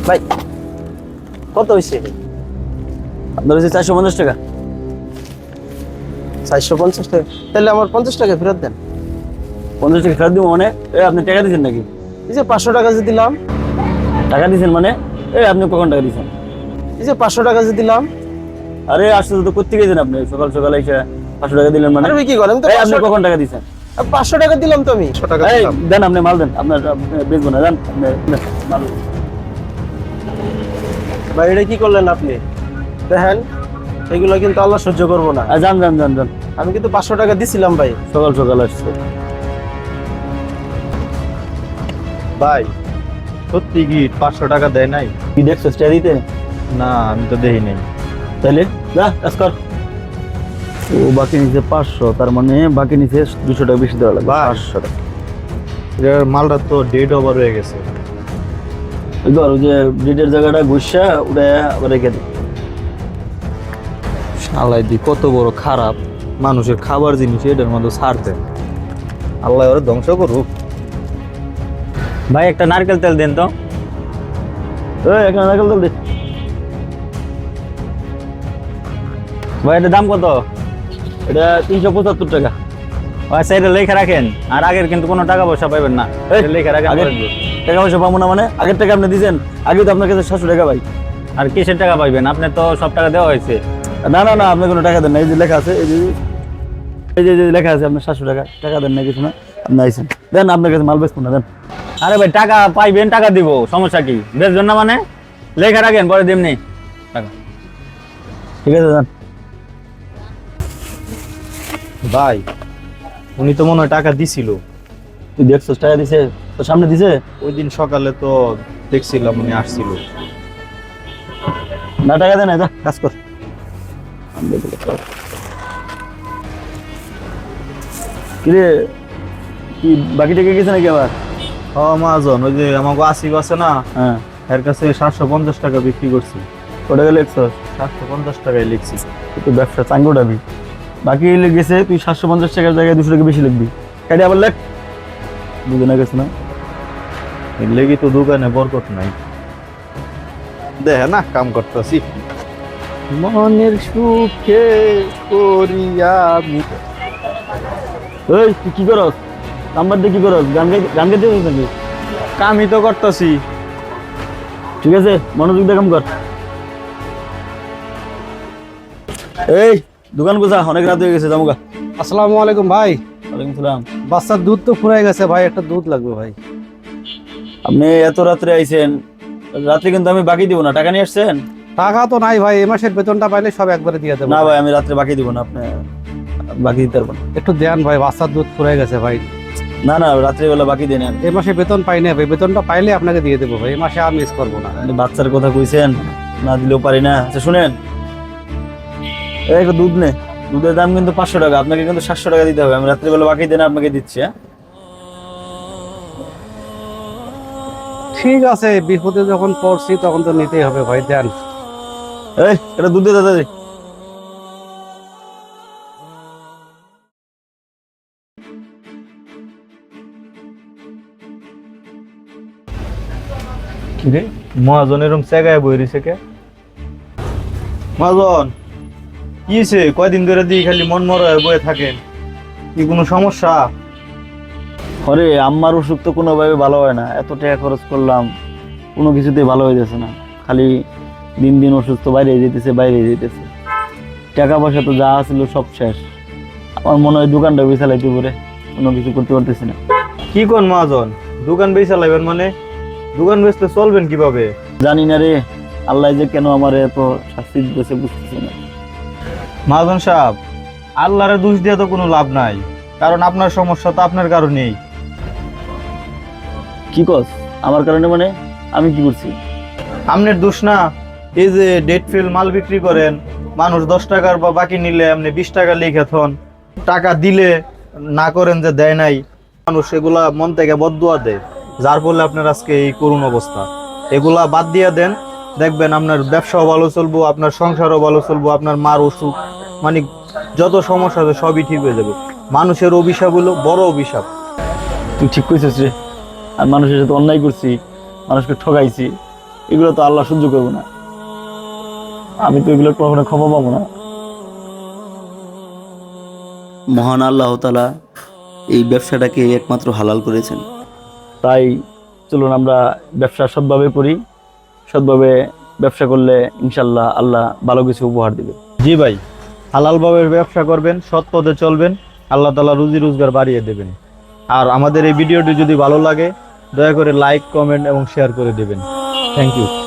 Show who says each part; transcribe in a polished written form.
Speaker 1: ভাই কত হয়েছে?
Speaker 2: আপনার হচ্ছে 450 টাকা।
Speaker 1: 450 টাকা? তাহলে আমার 50 টাকা ফেরত দেন।
Speaker 2: 50 টাকা ফেরত দিব মানে? আপনি টাকা দিয়েছেন নাকি?
Speaker 1: এই যে 500 টাকা যে দিলাম।
Speaker 2: টাকা দিয়েছেন মানে? আপনি কখন টাকা দিয়েছেন?
Speaker 1: এই যে 500 টাকা যে দিলাম।
Speaker 2: আরে আসলে তো করতে গেছেন আপনি, সকাল সকাল এসে 500 টাকা দিলেন মানে?
Speaker 1: আরে কি করেন তো?
Speaker 2: আপনি কখন টাকা দিয়েছেন?
Speaker 1: 500 টাকা দিলাম তো আমি। 100 টাকা দিলাম।
Speaker 2: দেন, আপনি মাল দেন, আপনার বেচবো না, দেন আপনি মাল।
Speaker 1: ভাই এটা কি করলেন আপনি? দেখেন এগুলো কিন্তু আল্লাহ সহ্য করবো না।
Speaker 2: যান যান যান যান।
Speaker 1: আমি কিন্তু 500 টাকা দিছিলাম ভাই।
Speaker 2: সকাল সকাল আসছে।
Speaker 3: ভাই সত্যি কি 500 টাকা দেয় নাই?
Speaker 2: কি দেখছো টাকা দিতে?
Speaker 3: না আমি তো দেখি নাই।
Speaker 2: তাইলে যা কাজ কর। ও বাকি নিচে 500, তার মানে বাকি নিচে 200 টাকা বেশি দেওয়া লাগবে।
Speaker 3: বাহ।
Speaker 2: 500 টাকা।
Speaker 3: এর মালটা তো ডেট ওভার হয়ে গেছে।
Speaker 2: ওই ধর, ওই যে ব্রিডের জায়গাটা ঘুষা ওটা আবার রেখে দিই।
Speaker 3: শালাই দি কত বড় খারাপ মানুষের খাবার জিনিস এটার মধ্যে ছাড় দেয়। আল্লাহ ওরা ধ্বংস করুক। ভাই একটা নারকেল তেল দেন তো।
Speaker 2: এখানে নারকেল তেল দে।
Speaker 3: ভাই এটার দাম কত?
Speaker 2: এটা 375 টাকা।
Speaker 3: আচ্ছা এটা লেখা রাখেন, আর আগের কিন্তু কোনো টাকা পয়সা পাইবেন না। এটা লেখা রাখেন।
Speaker 2: আগের টাকা পয়সা পাবো না মানে? আগের টাকা আপনি দিয়েছেন, আগে তো আপনার কাছে 700 টাকা ভাই।
Speaker 3: আর কিসের টাকা পাইবেন? আপনি তো সব টাকা দেওয়া হয়েছে।
Speaker 2: না না না, আপনি কোনো টাকা দেন না। এই যে লেখা আছে, এই যে এই যে লেখা আছে আপনার 700 টাকা। টাকা দেন না কিছু না, আপনি আইছেন দেন, আপনার কাছে মাল বেচবো না, দেন।
Speaker 3: আরে ভাই টাকা পাইবেন, টাকা দিব, সমস্যা কি? বেচবেন না মানে? লেখা রাখেন, পরে দিমনি টাকা।
Speaker 2: ঠিক আছে দেন।
Speaker 3: ভাই উনি তো মনে হয় টাকা দিছিল।
Speaker 2: তুই দেখছিস টাকা দিছে? তোর সামনে দিছে?
Speaker 3: ওই দিন সকালে তো দেখছিলাম উনি আসছিল।
Speaker 2: না টাকা দেন না, যা কাজ কর। কিরে, কি বাকি টাকা গেছে নাকি আবার?
Speaker 3: মহাজন ওই যে আমাকে আসিফ আছে না,
Speaker 2: হ্যাঁ,
Speaker 3: এর কাছে 750 টাকা বিক্রি করছি।
Speaker 2: ওটা গেলে 100।
Speaker 3: 750 টাকায় লিখছি।
Speaker 2: তুই ব্যবসা চাঙ্গো ডাবি। বাকি গেছে, তুই 750 টাকার জায়গায় 200 টাকা বেশি লিখবি। কাটি আবার লেখ। বুঝে না গেছে না?
Speaker 3: এর লেগে তো দোকানে বরকত নাই। দেখে না কাম করতেছি মনের সুখে করিয়া আমি।
Speaker 2: এই তুই কি করস? নাম্বার দিয়ে কি করস? গান গাইতে হইছিস নাকি?
Speaker 3: কামই তো করতেছি।
Speaker 2: ঠিক আছে, মনোযোগ দিয়ে কাম কর। এই দোকান গোছা, অনেক রাত হয়ে গেছে, যাবো গা।
Speaker 1: আসসালামু আলাইকুম ভাই।
Speaker 2: ওয়ালাইকুম সালাম।
Speaker 1: বাচ্চার দুধ তো ফুরাই গেছে ভাই, একটা দুধ লাগবে ভাই।
Speaker 2: আপনি এত রাত্রে আইছেন, রাত্রে কিন্তু আমি বাকি দিব না। টাকা নিয়ে আসছেন?
Speaker 1: টাকা তো নাই ভাই, এ মাসের বেতনটা পাইলে সব একবারে দিয়ে দেবো।
Speaker 2: না ভাই, আমি রাত্রে বাকি দিব না, আপনি বাকি দিতে পারবেন না।
Speaker 1: একটু দেন ভাই, বাচ্চার দুধ ফুরাই গেছে ভাই।
Speaker 2: না না, রাত্রিবেলা বাকি দেন।
Speaker 1: এই মাসে বেতন পাই না ভাই, বেতনটা পাইলে আপনাকে দিয়ে দেবো ভাই, এই মাসে আর মিস করবো না।
Speaker 2: আপনি বাচ্চার কথা কইছেন, না দিলেও পারি না। আচ্ছা শুনেন, এই একটা দুধ নে। দুধের দাম কিন্তু 500 টাকা, আপনাকে কিন্তু 700 টাকা দিতে হবে। আমি রাত্রিবেলা বাকি দেন আপনাকে দিচ্ছি। হ্যাঁ
Speaker 1: ঠিক আছে, বিপদে যখন পড়ছি তখন তো নিতেই হবে ভাই, দেন।
Speaker 2: এই এটা দুধ দে দাদা।
Speaker 3: কি রে মহাজন এরকম জায়গায় বই রয়েছে কে? মহাজন কি হয়েছে? কয়দিন ধরে দিয়ে খালি মন মরা হয়ে বয়ে থাকেন, কি কোনো সমস্যা?
Speaker 2: আরে আম্মার অসুখ তো কোনোভাবে ভালো হয় না। এত টাকা খরচ করলাম, কোনো কিছুতেই ভালো হয়ে যাচ্ছে না। খালি দিন দিন অসুস্থ বাইরে যেতেছে, বাইরে যেতেছে। টাকা পয়সা তো যা ছিল সব শেষ। আমার মনে হয় দোকানটা বিছালাইতে পারে, কোনো কিছু করতে পারতেছি না।
Speaker 3: কি কোন মহাজন, দোকান বেচা লাগবেন মানে? দোকান বেচতে চলবেন কিভাবে?
Speaker 2: জানি না রে, আল্লাহ যে কেন আমার এত শাস্তি দিতেছে বুঝতেছি না।
Speaker 3: মহাজন সাহেব, আল্লাহরে দোষ দিয়ে তো কোনো লাভ নাই, কারণ আপনার সমস্যা তো আপনার কারণেই।
Speaker 2: কি কস? আমার কারণে মানে? আমি কি করছি?
Speaker 3: আপনার দোষ না। এই যে ডেট ফেল মাল বিক্রি করেন, মানুষ 10 টাকার বা বাকি নিলে আপনি 20 টাকা লিখে থন, টাকা দিলে না করেন যে দেয় নাই, মানুষ এগুলা মন থেকে বদদুয়া দেয়, যার ফলে আপনার আজকে এই করুণ অবস্থা। এগুলা বাদ দিয়ে দেন, দেখবেন আপনার ব্যবসাও ভালো চলবো, আপনার সংসারও ভালো চলবো, আপনার মার অসুখ মানে যত সমস্যা আছে সবই ঠিক হয়ে যাবে। মানুষের অভিশাপ হলো বড় অভিশাপ।
Speaker 2: তুই ঠিক কইছিস রে। আর মানুষের সাথে অন্যায় করছি, মানুষকে ঠকাইছি, এগুলো তো আল্লাহ সহ্য করবো না, আমি তো এগুলো কখনো ক্ষমা পাবো না।
Speaker 4: মহান আল্লাহ তাআলা এই ব্যবসাটাকে একমাত্র হালাল করেছেন।
Speaker 2: তাই চলুন আমরা ব্যবসা সৎভাবে করি, সৎভাবে ব্যবসা করলে ইনশাল্লাহ আল্লাহ ভালো কিছু উপহার দিবে।
Speaker 3: জি ভাই, হালালভাবে ব্যবসা করবেন, সৎ পথে চলবেন, আল্লাহ তাআলা রুজি রোজগার বাড়িয়ে দেবেন। আর আমাদের এই ভিডিওটি যদি ভালো লাগে দয়া করে লাইক, কমেন্ট এবং শেয়ার করে দেবেন। Thank you.